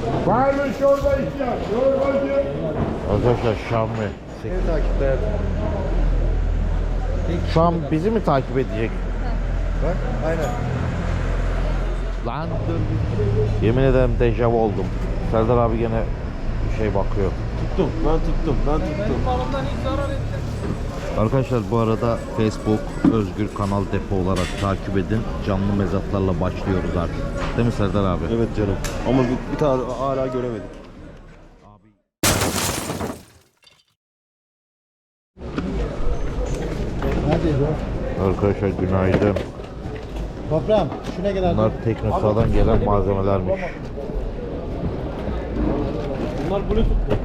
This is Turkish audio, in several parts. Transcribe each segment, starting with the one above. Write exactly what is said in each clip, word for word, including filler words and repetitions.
Var mı çorba ihtiyaç? Çorbacı. Arkadaşlar Şami. Seni takipte hayatım. Şu an bizi mi takip edecek? Bak aynen. Lan dur. Yemin ederim dejavu oldum. Serdar abi gene bir şey bakıyor. Tuttum ben tuttum ben tuttum. Arkadaşlar bu arada Facebook Özgür Kanal Depo olarak takip edin. Canlı mezatlarla başlıyoruz artık. Değil mi Serdar abi? Evet canım. Ama bir, bir tane hala göremedik. Arkadaşlar günaydın. Toprağım şuna gel. Bunlar Teknosa'dan gelen malzemelermiş. Bunlar Bluetooth mu?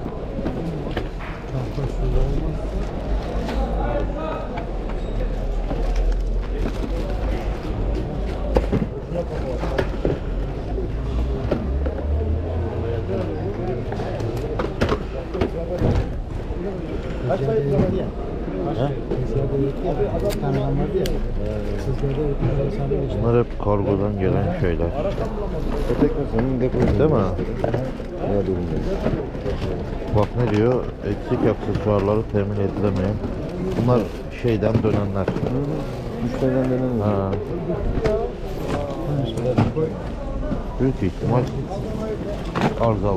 Kaç sayı vardı ya? He? Tanrılan vardı ya. Sizlerde öğretmenler Bunlar hep kargodan gelen şeyler. Teknosa'nın deposu. Değil mi? Ne durumda? Bak ne diyor? Eksik aksesuarları temin edilemeyen. Bunlar şeyden dönenler. Müşteriden dönem Ha. Büyük ihtimal arızalı.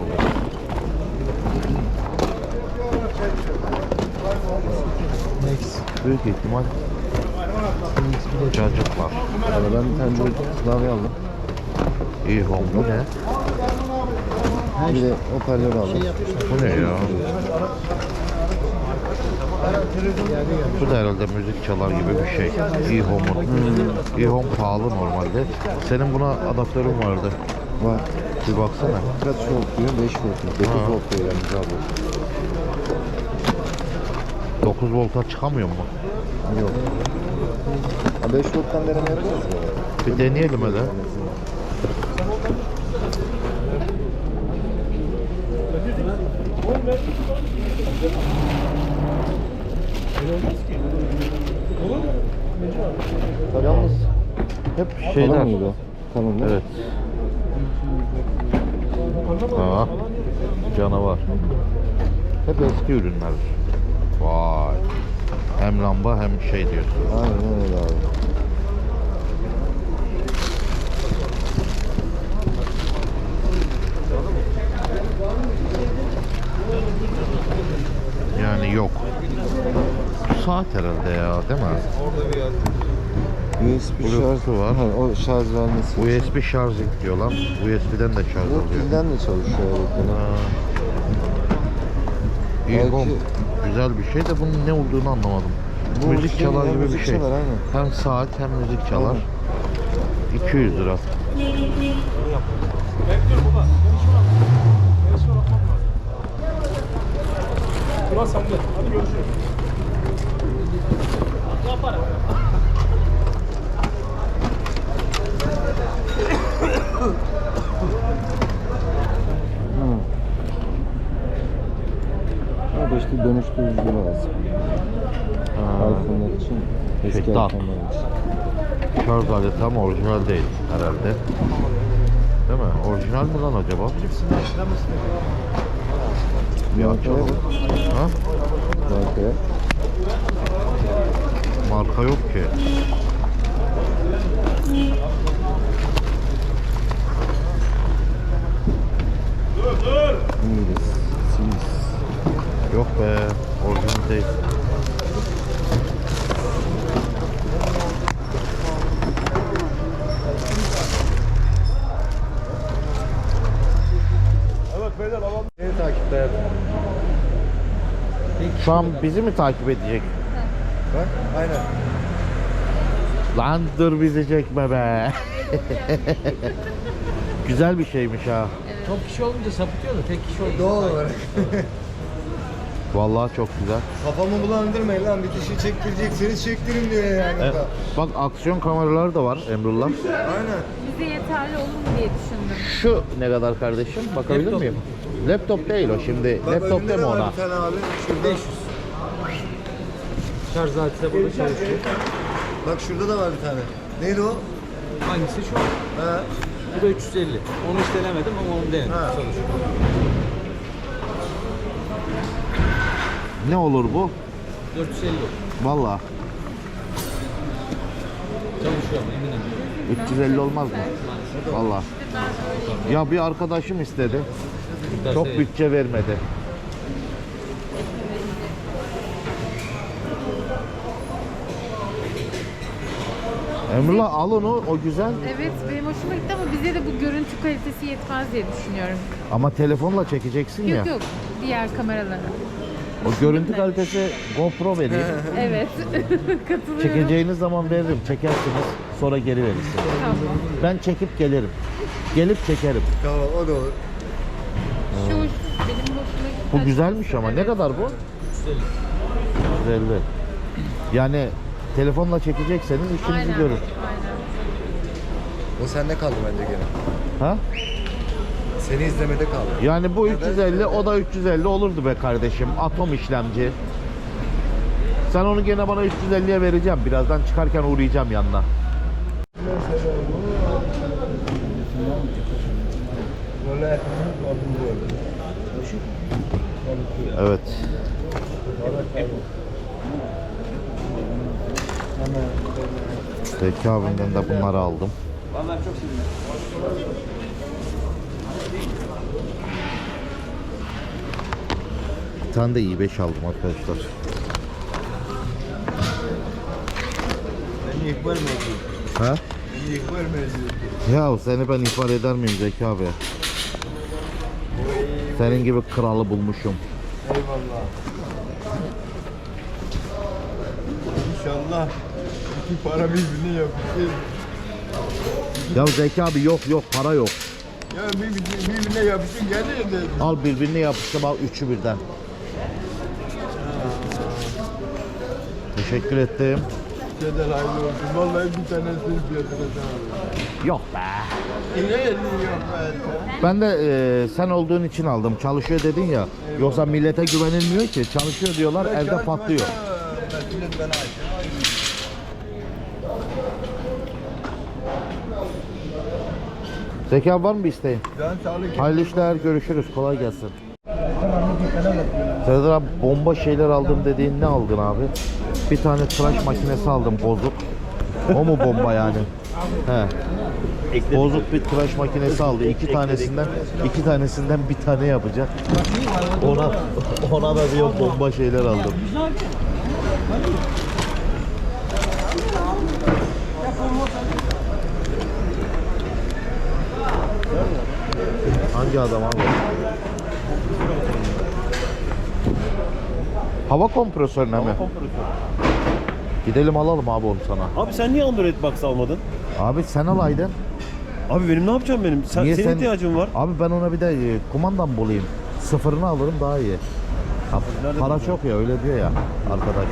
Nex. Büyük ihtimal Nex bir de cacık var. Yani ben bir tane de klavye aldım. İyi home bu ne? Bir de hoparlör aldım. şey yapmışlar. Bu ne ya? Geldi geldi. Bu da herhalde müzik çalar gibi bir şey. E-Home'un. Hmm. E-Home pahalı normalde. Senin buna adaptörün vardı. Var. Bir baksana. Kaç volt diyor? beş volt diyor. dokuz Ha. volt diyor yani abi. dokuz volta çıkamıyor mu? Yok. Ha, beş volttan deneme yapacağız ya. Bir deneyelim hele. Yalnız hep şeyler. Tamam mıydı o? Tamam değil mi? Evet. Aa, canavar. Hep eski ürünler. Vay. Hem lamba hem şey diyorsun. Aynen öyle abi. Yani yok. Saat herhalde ya, değil mi? U S B Bluetooth'u şarj var. Ha, o şarj vermesi. U S B şarj diyor lan. U S B'den de şarj Bu oluyor. pilden de çalışıyor evet. Ha. İyi Belki- home. Güzel bir şey de bunun ne olduğunu anlamadım. Bu müzik şey çalar ya, gibi bir müzik şey. çalar, aynen. Hem saat hem müzik çalar. iki yüz lira. Ulan sen de. Hadi görüşürüz. Hı. Ha da işte dönüştürücü lazım. Ha. iPhone'lar için, eski Şey, tak. iPhone'lar için. Şarj aleti ama orijinal değil herhalde. Değil mi? Orijinal mi lan acaba? Bir açalım. Ha? Markaya. Marka yok ki. İngiliz. Sims. Yok be. Orijinal değil. Evet beyler alalım. Seni takipte hayatım. Şu an bizi mi takip edecek? Bak aynen. Lan dur bizi çekme be. Güzel bir şeymiş ha. Çok kişi olunca sapıtıyor da tek kişi olunca. Doğal olarak. Vallahi çok güzel. Kafamı bulandırmayın lan, bir kişi çektirecekseniz çektirin diyor yani. Evet. da. Bak aksiyon kameraları da var Emrullah. Aynen. Bize yeterli olur mu diye düşündüm. Şu ne kadar kardeşim? Bakabilir Laptop. miyim? Laptop değil o şimdi. Bak Laptop önünde deme de var ona. bir tane abi. Şurada. beş yüz. Şarj aleti de burada çalışıyor. Bak şurada da var bir tane. Neydi o? Hangisi şu? Ha. Bu da üç yüz elli. Onu hiç denemedim ama onu denedim. Çalışıyor. Ne olur bu? dört yüz elli. Vallahi Çalışıyor ama eminim. üç yüz elli olmaz mı? Vallahi. Ya bir arkadaşım istedi. Çok bütçe vermedi. Emrullah al onu, o güzel. Evet benim hoşuma gitti ama bize de bu görüntü kalitesi yetmez diye düşünüyorum. Ama telefonla çekeceksin ya. Yok yok diğer kameralara. O görüntü kalitesi GoPro vereyim. Evet katılıyorum. Çekeceğiniz zaman veririm, çekersiniz, sonra geri verirsiniz. Tamam. Ben çekip gelirim. Gelip çekerim. Tamam o da olur. Şu hoş, benim hoşuma gitti. Bu güzelmiş ama. Ne kadar bu? üç yüz elli. yüz elli. Yani telefonla çekecekseniz işinizi Aynen, görür. aynen. O sende kaldı bence gene. Ha? Seni izlemede kaldı. Yani bu üç yüz elli, o da üç yüz elli olurdu be kardeşim. Atom işlemci. Sen onu gene bana üç yüz elliye vereceğim. Birazdan çıkarken uğrayacağım yanına. Evet. Peki abimden de bunları aldım. Vallahi çok sevindim. Bir tane de i beş aldım arkadaşlar. Beni ihbar mı ediyorsun? Ha? Beni ihbar mı ediyorsun? Ya seni ben ihbar eder miyim Zeki abi? Senin gibi kralı bulmuşum. Eyvallah. İnşallah iki para birbirine yapışır. Ya Zeki abi yok yok para yok. Ya birbirine, birbirine yapışın gelir de. Al birbirine yapıştım, al üçü birden. Teşekkür ettim. Şeyden hayırlı olsun. Vallahi bir tanesini fiyatına Yok be. Ne elini yok be. Ben de e, sen olduğun için aldım. Çalışıyor dedin ya. Yoksa millete güvenilmiyor ki. Çalışıyor diyorlar, evde patlıyor. Mesuliyet bana ait. Zeki abi var mı bir isteğin? Can sağlık. Hayırlı işler, görüşürüz. Kolay gelsin. Serdar abi bomba şeyler aldım dediğin ne aldın abi? Bir tane tıraş makinesi aldım bozuk. O mu bomba yani? He. Bozuk bir tıraş makinesi aldı. İki tanesinden iki tanesinden bir tane yapacak. Ona ona da diyor bomba şeyler aldım. Hangi adam abi? Hava kompresörüne mi? Gidelim alalım abi onu sana. Abi sen niye Android Box almadın? Abi sen alaydın. Abi benim ne yapacağım benim? Sen, Niye senin sen- ihtiyacın var. Abi ben ona bir de e, kumandam bulayım. Sıfırını alırım daha iyi. Ha, Nerede para bulacağım? çok ya öyle diyor ya arkadaş.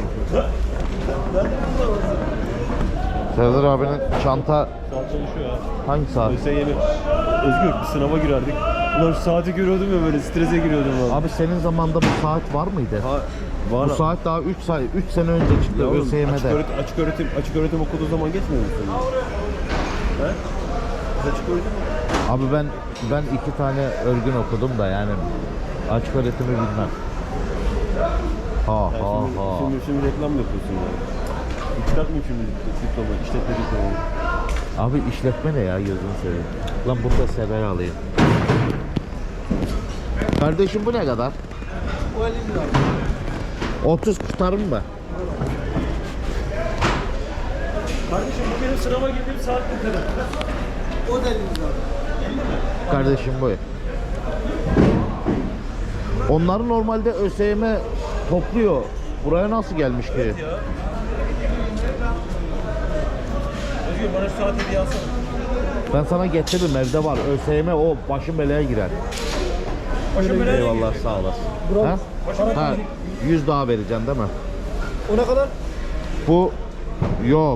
Serdar abinin çanta Saat çalışıyor ya. hangi saat? ÖSYM. Özgür bir sınava girerdik. Ulan şu saati görüyordum ya, böyle strese giriyordum valla. Abi senin zamanda bu saat var mıydı? Ha, var Bu abi. saat daha üç saat üç sene önce çıktı Ya oğlum, açık ÖSYM'de. öğretim, açık öğretim, açık öğretim okuduğu zaman geçmiyor musun? He? Biz açık öğretim mi? Abi ben ben iki tane örgün okudum da yani açık öğretimi bilmem. Ha ha Şimdi, ha. şimdi, şimdi reklam mı yapıyorsun ya? Çıkartmayayım şimdi diploma, işletme diplomayı. Abi işletme ne ya gözünü seveyim. Lan bunu da sever alayım. Kardeşim bu ne kadar? O elli lira. otuz kurtarır mı? Kardeşim bu benim sınava girdiğim saat ne kadar? O da elli lira. Kardeşim bu. Onları normalde ÖSYM topluyor. Buraya nasıl gelmiş ki? Özgür bana şu saat hediye alsana. Ben sana getiririm, evde var. ÖSYM o başın belaya girer. Başım belaya Eyvallah sağ olasın. Ha? Ha, yüz daha vereceksin değil mi? O ne kadar? Bu yok.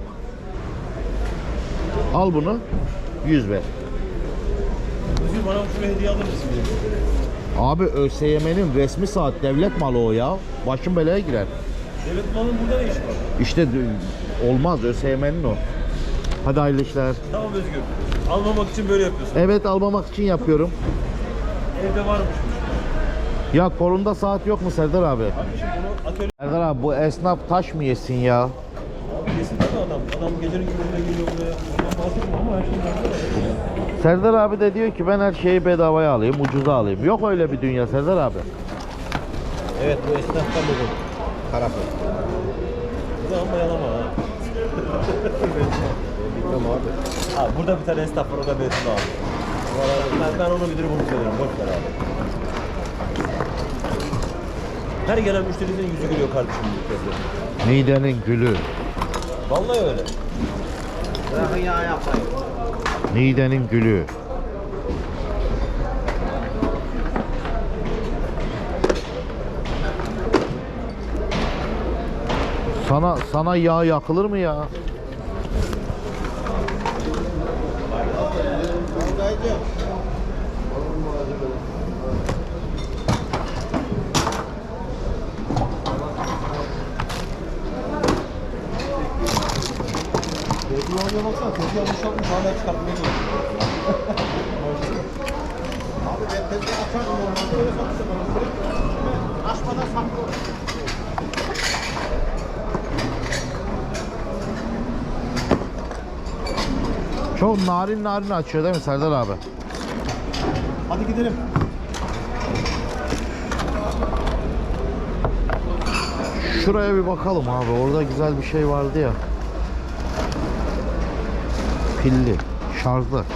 Al bunu. yüz ver. Özgür bana şunu hediye alır mısın benim? Abi ÖSYM'nin resmi saat, devlet malı o ya. Başın belaya girer. Devlet malının burada ne işi var? İşte d- olmaz, ÖSYM'nin o. Hadi hayırlı işler. Tamam Özgür. Almamak için böyle yapıyorsun. Evet, almamak için yapıyorum. Evde varmış. Ya kolunda saat yok mu Serdar abi? Abi şimdi bunu atölye Serdar abi bu esnaf taş mı yesin ya? yesin değil mi adam? Adam gecenin gündüzüne geliyor buraya. Ondan bahsetmiyor ama her şey nerede? Serdar abi de diyor ki ben her şeyi bedavaya alayım, ucuza alayım. Yok öyle bir dünya Serdar abi. Evet bu esnaftan buldum. Karafı. Bu zaman bayalama ha. Bilmem abi. Abi burada bir tane esnaf var, o da Betül abi. Ben, ben onu müdürü bunu söylüyorum. Boş ver abi. Her gelen müşterinin yüzü gülüyor kardeşim bu kez. Niğde'nin gülü. Vallahi öyle. Bırakın yağ yapmayın. Niğde'nin gülü. Sana sana yağ yakılır mı ya? Betül abiye baksana, tezgah boşaltmış hala çıkartmaya çalışıyor. Abi ben tezgah açardım normalde öyle satışa bana. Açmadan saklı. Çok narin narin açıyor değil mi Serdar abi? Hadi gidelim. Şuraya bir bakalım abi. Orada güzel bir şey vardı ya. Pilli, şarjlı.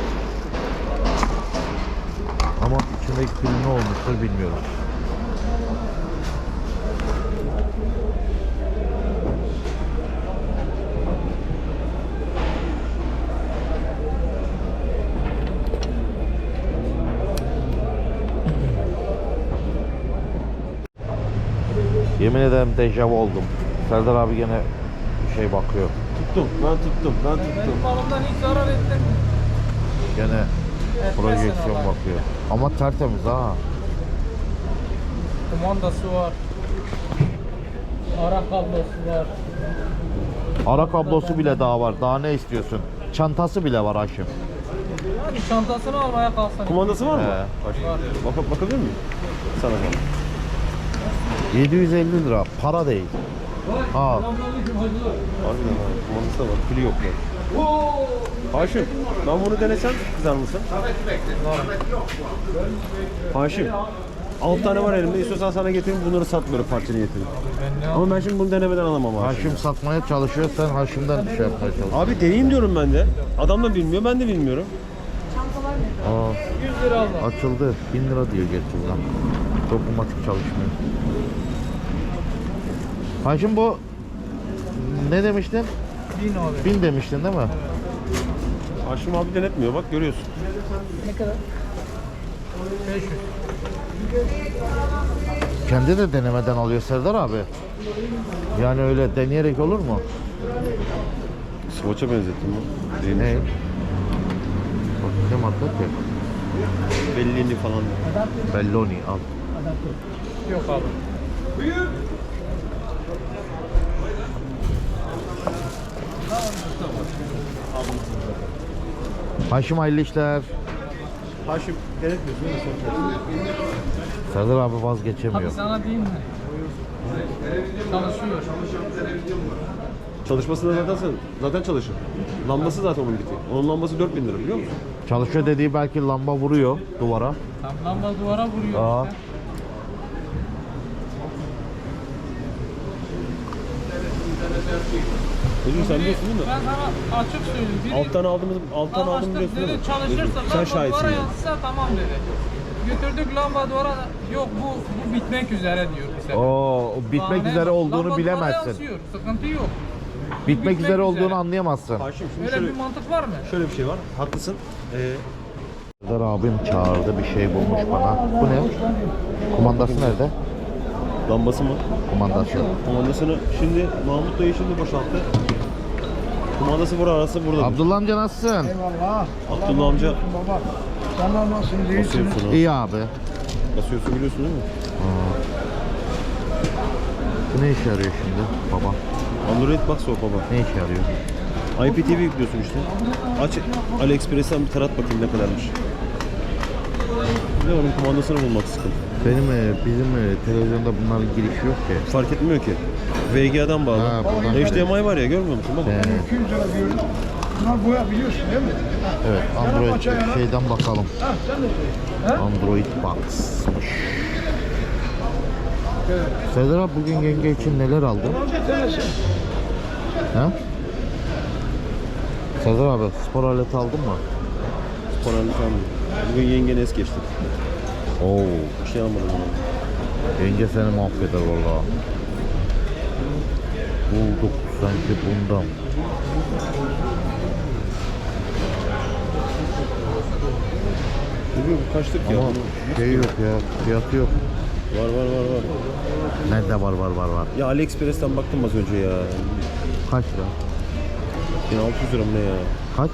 Ama içindeki pil ne olmuştur bilmiyorum. Yemin ederim dejavu oldum. Serdar abi gene şey bakıyor. Tuttum, ben tuttum, ben tuttum. Malımdan hiç zarar ettim. Gene projeksiyon bakıyor. Ama tertemiz ha. Kumandası var. Ara kablosu var. Ara kablosu bile daha var. Daha ne istiyorsun? Çantası bile var Haşim. Yani çantasını almaya kalsan. Kumandası var mı? He. Bak, bak, bakabilir miyim? Sana bak. yedi yüz elli lira. Para değil. Ha. Harbiden abi, kumandası da var, pili yok ya. Haşim, ben bunu denesem kızar mısın? Haşim, altı tane var elimde, istiyorsan sana getireyim, bunları satmıyorum parça niyetini. Ama ben şimdi bunu denemeden alamam Haşim. Haşim satmaya çalışıyor. Sen Haşim'den şey yapmaya çalışıyorsun. Abi deneyeyim diyorum ben de. Adam da bilmiyor, ben de bilmiyorum. Aa, yüz lira alma. açıldı. bin lira diyor gerçekten. Dokunmatik çalışmıyor. Haşim bu ne demiştin? Bin abi. bin demiştin değil mi? Haşim abi denetmiyor, bak görüyorsun. Ne kadar? beş yüz. Kendi de denemeden alıyor Serdar abi. Yani öyle deneyerek olur mu? Swatch'a benzettim bu. Değilmiş. Ne? Bak ne madde ki? Bellini falan. Belloni al. Yok abi. Haşim hayırlı işler. Haşim denetmiyorsun değil mi? Serdar abi vazgeçemiyor. Abi sana diyeyim mi? Çalışıyor. Çalışmasında zaten zaten çalışır. Lambası zaten onun biti. Onun lambası dört bin lira biliyor musun? Çalışıyor dediği belki lamba vuruyor duvara. Tam lamba duvara vuruyor Aa. işte. Özgür sen biliyorsun değil mi? Ben sana açık söyleyeyim. Biri Alttan aldığımız alttan aldım anlaştık biliyorsun değil dedi mi? çalışırsa Özgür, sen lamba şahitsin duvara yani. yansısa tamam dedi. Götürdük lamba duvara yok bu bu bitmek üzere diyor bize. Oo, bitmek Bahane üzere yok. olduğunu Lamba duvara bilemezsin. yansıyor, sıkıntı yok. Bitmek üzere üzere. olduğunu anlayamazsın. Haşim şimdi Öyle şöyle, bir mantık var mı? şöyle bir şey var. Haklısın. Ee, Serdar abim çağırdı, bir şey bulmuş bana. Bu ne? Kumandası nerede? lambası mı? Kumandası. Kumandasını şimdi Mahmut dayı şimdi boşalttı. Kumandası bura arası burada. Abdullah amca nasılsın? Eyvallah. Abdullah amca Baba. Sen nasılsın? İyisin. basıyorsun ha. İyi abi. Basıyorsun biliyorsun değil mi? Bu ne işe yarıyor şimdi baba? Android Box o baba. Ne işe yarıyor? I P T V yüklüyorsun işte. Aç AliExpress'ten bir tarat bakayım ne kadarmış. Bir de onun kumandasını bulmak sıkıntı. Benim e, bizim e, televizyonda bunların girişi yok ki. Fark etmiyor ki. V G A'dan bağlı. Ha, buradan H D M I var ya, görmüyor musun? Bak. Ee, iki yüz lira diyorum. Bunlar boya biliyorsun değil mi? evet, Android şeyden bakalım. Ha sen de söyle. Ha? Android Box'mış. Serdar abi bugün yenge için neler aldın? Tanesi. Ha? Serdar abi spor aleti aldın mı? Spor aleti aldım. Bugün yengene es geçtik. Oo, Bir şey almadım ona. yenge seni mahveder valla. Bulduk sanki bundan. Bugün kaçtık ya? Ama şey yok ya, fiyatı yok. Var var var var. Nerede var var var var. Ya AliExpress'ten baktım az önce ya. Kaç lira? bin altı yüz lira mı ne ya? Kaç?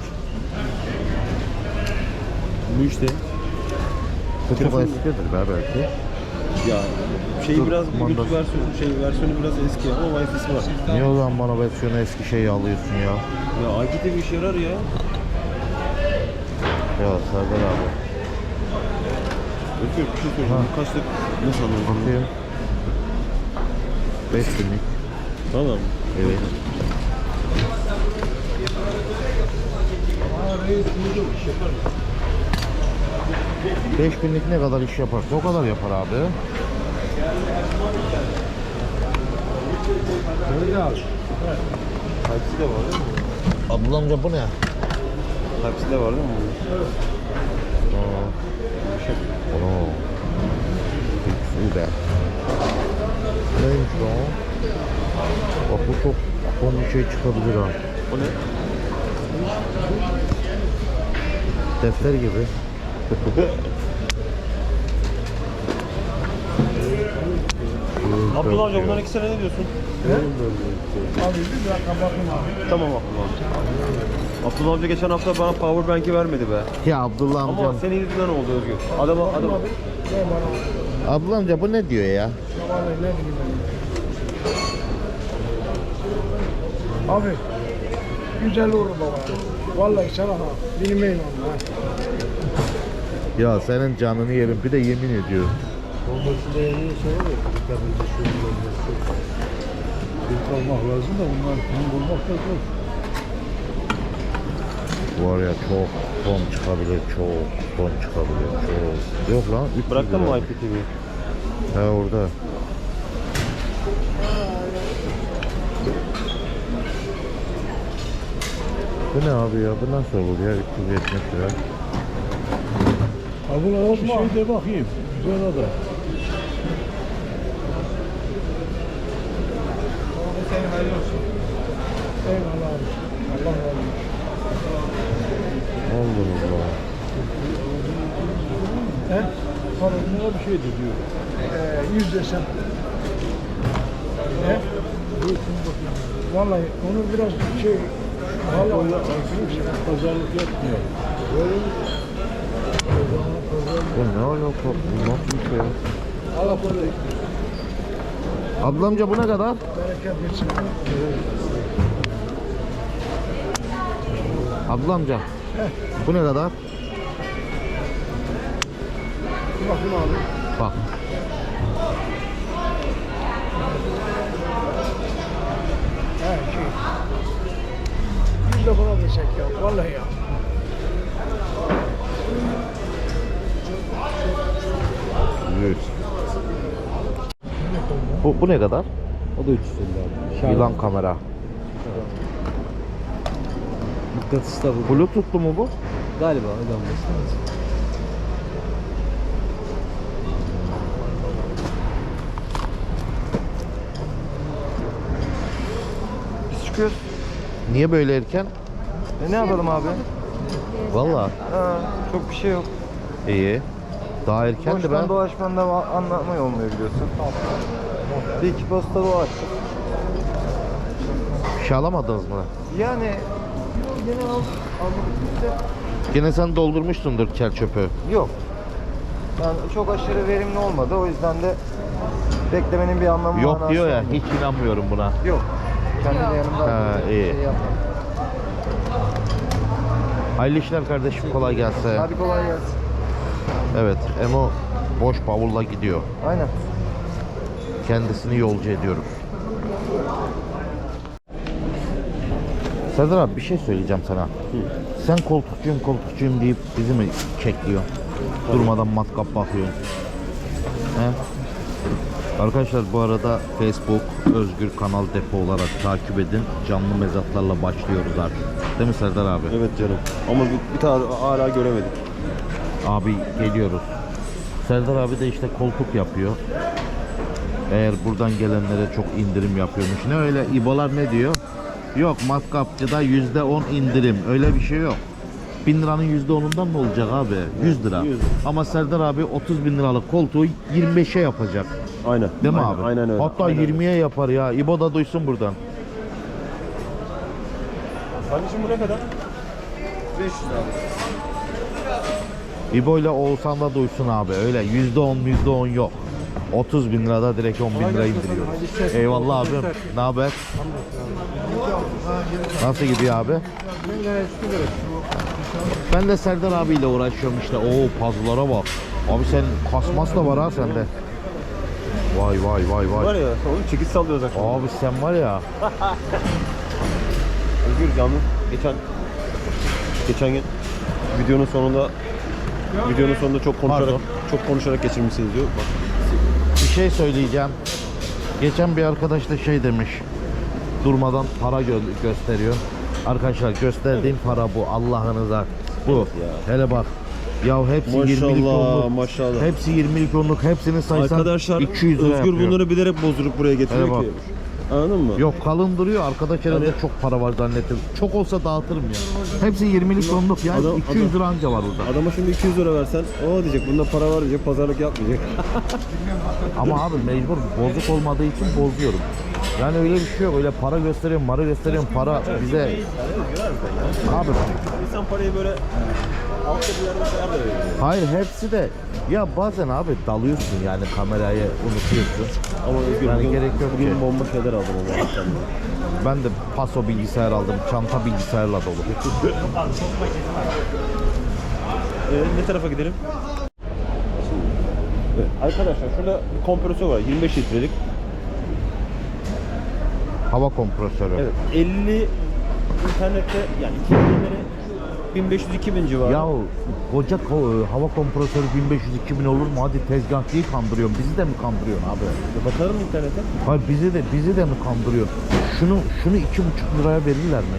Bu işte. Bu çok Telefon- eskidir be belki. Ya şey Dur, biraz kumandası. Bluetooth versiyonu, şey versiyonu biraz eski ama Wi-Fi'si var. Niye o zaman bana versiyonu eski şeyi alıyorsun ya? Ya I P T V işe yarar ya. Ya Serdar abi. Ötüyor bir şey söyleyeceğim. Bu kaçlık nasıl anladın? Bakayım. beş binlik. Tamam. Evet. beş binlik ne kadar iş yaparsa o kadar yapar abi. Type-C de var değil mi? Ablamca bu ne? Type-C de var değil mi? Aa. Oo. Güzel. Neymiş bu? Bak bu çok son bir şey çıkabilir ha. O ne? Defter gibi. Abdullah amca bunların ikisine ne diyorsun? Abi bir dakika bakayım abi. Tamam Abdullah amca. Abdullah amca geçen hafta bana power bank'i vermedi be. Ya Abdullah Ama amcam. senin yüzünden oldu Özgür. Adama adam Ne bana? Abdullah amca bu ne diyor ya? Vallahi ne bileyim ben. Abi güzel olur baba. Vallahi sana ha. Bilmeyin onu ha. Ya senin canını yerim bir de yemin ediyorum. Olması değerli şey var ya. Tabii şu olması. Bir kalmak lazım da bunlar bunu bulmak da zor. Var ya çok son çıkabilir, çok son çıkabilir, çok. Yok lan üç yüz bıraktın mı lira. I P T V'yi? He orada. Bu ne abi ya? Bu nasıl olur ya? üç yüz yetmiş lira. Abi bir şey de bakayım. Güzel ada. Senin hayırlı olsun. Eyvallah abi. Allah razı olsun. Allah Allah. He? Parasına bir şey de diyor. Ee, yüz desem. He? Vallahi onu biraz şey... Vallahi Pazarlık yapmıyor. Bu ne alaka? Bu nasıl bir şey ya? Allah korusun. Ablamca bu ne kadar? Bereket versin. Ablamca. Bu ne kadar? Bir bakın abi. Bak. He şey. Yüz de buna desek ya. Vallahi ya. yüz. Bu, bu ne kadar? O da üç yüz elli abi. Yılan kamera. Mıknatıs da bu. Bluetooth'lu mu bu? Galiba öyle olması lazım. Biz çıkıyoruz. Niye böyle erken? E ne yapalım abi? Valla Ha, çok bir şey yok. iyi. Daha erkendi Boştan ben. dolaşmanda va- anlamı olmuyor biliyorsun. Bir iki posta dolaştık. Bir şey alamadınız mı? Yani yine al, aldık de Gene sen doldurmuşsundur kel çöpü. yok. Yani çok aşırı verimli olmadı. O yüzden de beklemenin bir anlamı Yok manası diyor ya, olmuyor. hiç inanmıyorum buna. Yok. Kendi de yanımda Ha, bir iyi. şey yapmadım. Hayırlı işler kardeşim, kolay gelsin. Hadi kolay gelsin. Evet, Emo boş bavulla gidiyor. Aynen. Kendisini yolcu ediyoruz. Serdar abi bir şey söyleyeceğim sana. Hı. Sen koltukçuyum koltukçuyum deyip bizi mi kekliyorsun? Durmadan matkap bakıyorsun. He? Arkadaşlar bu arada Facebook Özgür Kanal Depo olarak takip edin. Canlı mezatlarla başlıyoruz artık. Değil mi Serdar abi? Evet canım. Ama bir, bir tane hala göremedik. Abi geliyoruz. Serdar abi de işte koltuk yapıyor. Eğer buradan gelenlere çok indirim yapıyormuş. Ne öyle İbolar ne diyor? Yok, matkapçıda yüzde on indirim. Öyle bir şey yok. bin liranın yüzde onundan ne olacak abi? yüz lira. yüz. Ama Serdar abi otuz bin liralık koltuğu yirmi beşe yapacak. Aynen. Değil mi aynen, abi? Aynen öyle. Hatta aynen yirmiye yapar ya. İbo da duysun buradan. Kardeşim bu ne kadar? beş yüz abi. İbo ile Oğuzhan da duysun abi. Öyle yüzde on yüzde on yok. otuz bin lirada direkt on bin lira indiriyor. Eyvallah abim. Ne haber? Nasıl gidiyor abi? Ben de Serdar abiyle uğraşıyorum işte. Oo, puzzle'lara bak. Abi sen kasmas da var ha sende. Vay vay vay vay. Var ya, onu çekiç sallıyoruz akşam. Abi sen var ya. Özgür yalnız geçen geçen gün videonun sonunda videonun sonunda çok konuşarak Pardon. çok konuşarak geçirmişsiniz diyor. Bak. Bir şey söyleyeceğim. Geçen bir arkadaş da şey demiş. Durmadan para gö gösteriyor. Arkadaşlar gösterdiğim para bu. Allah'ınıza. Bu. Hele bak. Ya hepsi yirmilik Maşallah, onluk. maşallah. Hepsi yirmilik onluk. Hepsini saysan Arkadaşlar iki yüz lira Özgür yapıyor. bunları bilerek bozdurup buraya Hele getiriyor bak. ki. Anladın mı? Yok, kalın duruyor. Arkadaş herhalde Hani- çok para var zannettim. Çok olsa dağıtırım ya. Hepsi yirmilik onluk ya. Adam- iki yüz lira anca var burada. Adama şimdi iki yüz lira versen o diyecek bunda para var diyecek, pazarlık yapmayacak. Ama abi mecbur, bozuk olmadığı için bozuyorum. Yani öyle bir şey yok. Öyle para gösteriyorum, para gösteriyorum. Para bize... Abi İnsan parayı böyle altta bir yerde sayar da veriyor. hayır, hepsi de ya bazen abi dalıyorsun yani, kamerayı unutuyorsun. Ama Özgür Yani bugün, gerek yok bugün ki. bomba şeyler aldım ama. Ben de paso bilgisayar aldım. Çanta bilgisayarla dolu. Ee, ne tarafa gidelim? Evet, arkadaşlar şurada bir kompresör var yirmi beş litrelik. Hava kompresörü. Evet, elli internette yani iki binleri bin beş yüz iki bin civarı. Ya koca ko- hava kompresörü bin beş yüz iki bin olur mu? Hadi tezgahçıyı kandırıyorsun. Bizi de mi kandırıyorsun abi? Bakarım internete. Hayır, bizi de bizi de mi kandırıyorsun? Şunu şunu iki buçuk liraya verirler mi?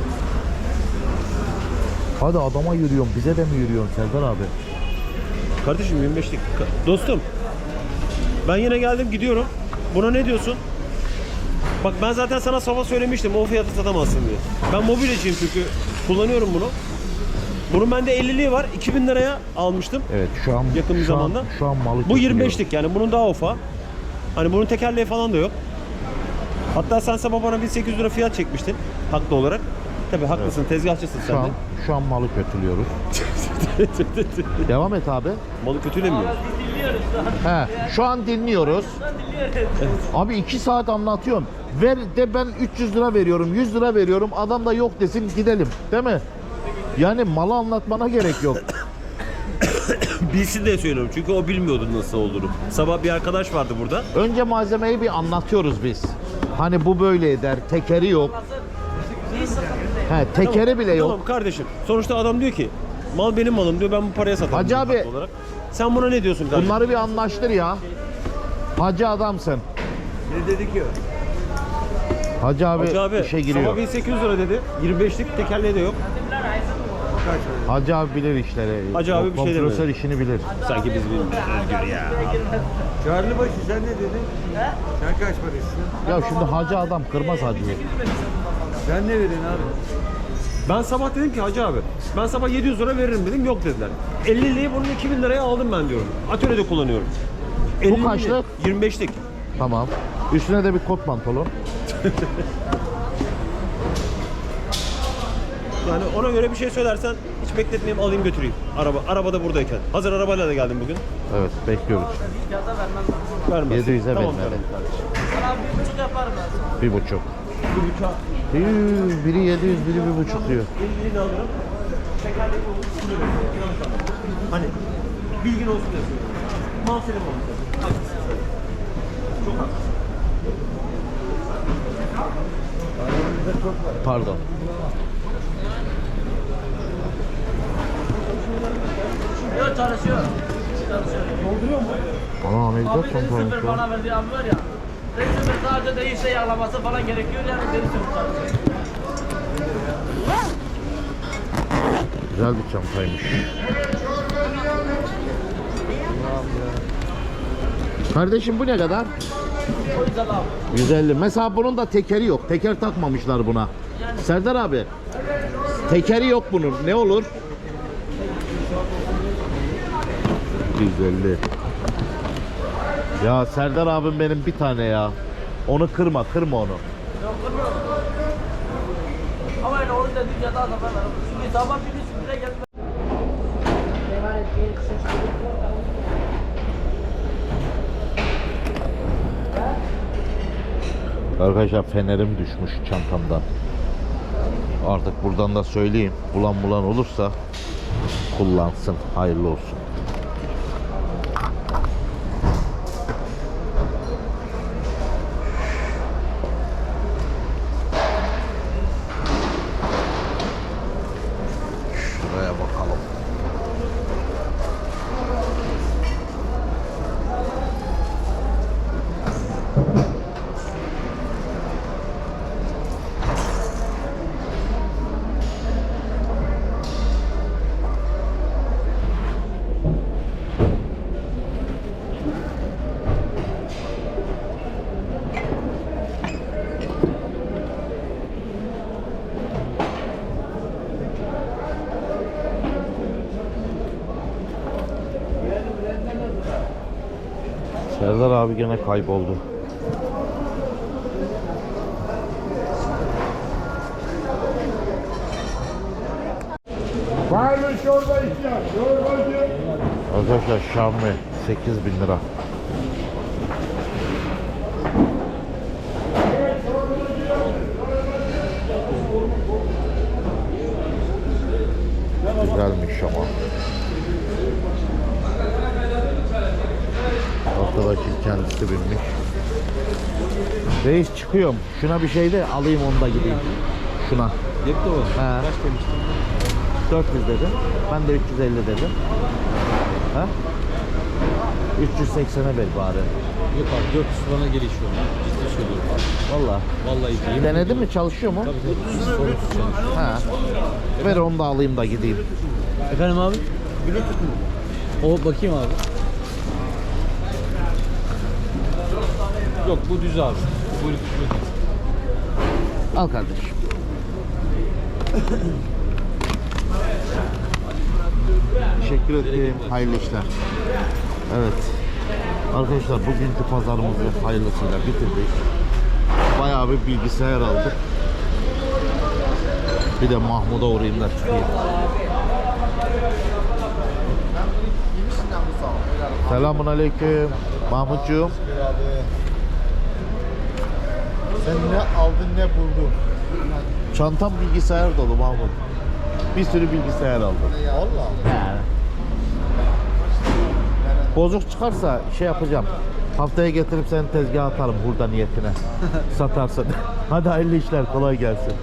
Hadi adama yürüyorsun, bize de mi yürüyorsun Serdar abi? Kardeşim yirmi beşlik. Dostum. Ben yine geldim gidiyorum. Buna ne diyorsun? Bak ben zaten sana sabah söylemiştim o fiyatı satamazsın diye. Ben mobilyacıyım çünkü kullanıyorum bunu. Bunun bende elliliği var. iki bin liraya almıştım. Evet, şu an Yakın bir şu an- zamanda. şu an malı Bu yirmi kötülüyor. beşlik yani bunun daha ufa. Hani bunun tekerleği falan da yok. Hatta sen sabah bana bin sekiz yüz lira fiyat çekmiştin haklı olarak. Tabii haklısın, tezgahçısın Şu sen an de. şu an malı kötülüyoruz. Devam et abi. Malı kötülemiyoruz. He, şu an dinliyoruz. Abi iki saat anlatıyorum. Ver de ben üç yüz lira veriyorum, yüz lira veriyorum. Adam da yok desin, gidelim. Değil mi? Yani malı anlatmana gerek yok. Bilsin diye söylüyorum çünkü o bilmiyordu nasıl olduğunu. Sabah bir arkadaş vardı burada. Önce malzemeyi bir anlatıyoruz biz. Hani bu böyle eder, tekeri yok. He, tekeri bile yok. Tamam kardeşim. Sonuçta adam diyor ki mal benim malım diyor, ben bu paraya satarım. Hacı diyor abi, haklı olarak. Sen buna ne diyorsun kardeşim? Bunları bir anlaştır ya. Hacı adamsın. Ne dedi ki? Hacı abi, Hacı abi işe giriyor. sabah bin sekiz yüz lira dedi. yirmi beşlik tekerleği de yok. Hacı abi bilir işleri. Hacı abi bir şey Kompresör demedi. işini bilir. Sanki biz bilmiyoruz Özgür ya. Çağrıbaşı sen ne dedin? Sen kaç para istiyorsun? Ya şimdi hacı adam kırmaz hacıyı. Sen ne verin abi? Ben sabah dedim ki Hacı abi ben sabah yedi yüz lira veririm dedim, yok dediler. elliliği bunun iki bin liraya aldım ben diyorum. Atölyede kullanıyorum. elliliği kaçlık? yirmi beşlik. Tamam. Üstüne de bir kot pantolon. Yani ona göre bir şey söylersen hiç bekletmeyeyim, alayım götüreyim. Araba arabada buradayken. Hazır arabayla da geldim bugün. Evet, bekliyoruz. Vermez. yedi yüze Tamam vermeli. kardeşim. Bir buçuk. Bir bıçağı. Yuu, biri yedi yüz, biri bir buçuk diyor. elliliğini alırım. Şekerli olur. Şunu veriyor. Hani bilgin olsun diye söylüyorum. Mal senin olmuş. Çok haklısın. Pardon. Yok çalışıyor. Çalışıyor. Ana ne güzel Abi deri çantaymış sıfır ya. bana verdiği abi var ya. Deri sıfır sadece değişse yağlaması falan gerekiyor yani deri sıfır çalışıyor. Güzel bir çantaymış. Kardeşim bu ne kadar? O yüzden abi. yüz elli. Mesela bunun da tekeri yok. Teker takmamışlar buna. Serdar abi. Tekeri yok bunun. Ne olur? yüz elli. Ya Serdar abim benim bir tane ya. Onu kırma, kırma onu. Yok kırmıyorum. Ama yani onu dedim ya daha da ben veririm. Şimdi sabah birisi bile geldi. Arkadaşlar fenerim düşmüş çantamdan. Artık buradan da söyleyeyim. Bulan bulan olursa kullansın. Hayırlı olsun. Şuraya bakalım. Serdar abi gene kayboldu. Var mı çorba ihtiyaç? Çorbacı. Arkadaşlar Şamlı sekiz bin lira. Güzelmiş ama. Arkadaşın kendisi binmiş. Reis çıkıyorum. Şuna bir şey de alayım onu da gideyim. Şuna. Yekte o. He. Kaç demiştin? dört yüz dedim. Ben de üç yüz elli dedim. Ha? üç yüz seksene ver bari. Yok abi dört yüz bana geliş oldu. Ciddi söylüyorum. Vallahi. Vallahi değil. Denedin mi? Çalışıyor mu? Tabii tabii. Sorunsuz çalışıyor. Ha. Ver onu da alayım da gideyim. Efendim abi? Bluetooth mu? O bakayım abi. Yok bu düz abi. Bu Bluetooth. Al kardeşim. Teşekkür ederim. Hayırlı işler. Evet. Arkadaşlar bugünkü pazarımızı hayırlısıyla bitirdik. Bayağı bir bilgisayar aldık. Bir de Mahmut'a uğrayayım da çıkayım. Selamun aleyküm. Mahmutcuğum. Sen ne aldın ne buldun? Çantam bilgisayar dolu Mahmut. Bir sürü bilgisayar aldım. Valla. Yani. Bozuk çıkarsa şey yapacağım. Haftaya getirip senin tezgaha atarım burada niyetine. Satarsın. Hadi hayırlı işler, kolay gelsin.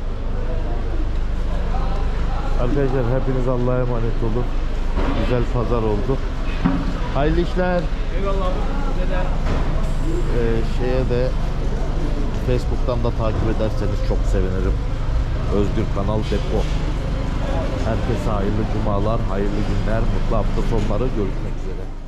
Arkadaşlar hepiniz Allah'a emanet olun. Güzel pazar oldu. Hayırlı işler. Eyvallah. Ee, şeye de Facebook'tan da takip ederseniz çok sevinirim. Özgür Kanal Depo. Herkese hayırlı cumalar, hayırlı günler, mutlu hafta sonları, görüşmek üzere.